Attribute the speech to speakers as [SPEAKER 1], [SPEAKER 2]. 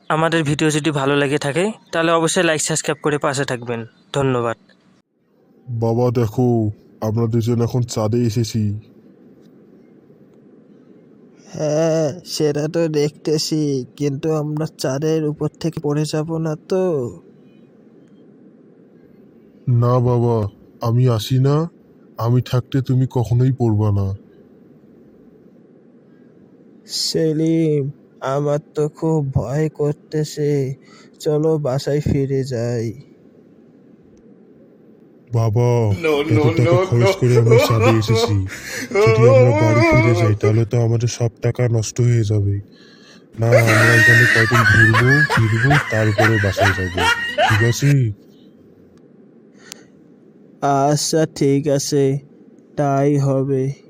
[SPEAKER 1] আমাদের ভিডিও যদি ভালো লেগে থাকে তাহলে অবশ্যই লাইক সাবস্ক্রাইব করে পাশে থাকবেন। ধন্যবাদ।
[SPEAKER 2] বাবা দেখো, আমরা দুজন এখন চাঁদে এসেছি।
[SPEAKER 3] হ্যাঁ, সেটা তো দেখতেছি, কিন্তু আমরা চাঁদের উপর থেকে পড়ে যাব না তো?
[SPEAKER 2] না বাবা, আমি আসি না, আমি থাকতে তুমি কখনোই পড়বা না।
[SPEAKER 3] সেলিম, আমার তো খুব ভয় করতেছে, চলো বাসায় ফিরে যাই।
[SPEAKER 2] বাবা, এত টাকা খরচ করে আমরা চাঁদে এসেছি, যদি আমরা বাড়ি ফিরে যাই তাহলে তো আমাদের সব টাকা নষ্ট হয়ে যাবে। না, আমরা এখানে কয়দিন ঘুরবো ফিরবো, তারপরে বাসায় যাব, ঠিক আছে?
[SPEAKER 3] আচ্ছা ঠিক আছে, তাই হবে।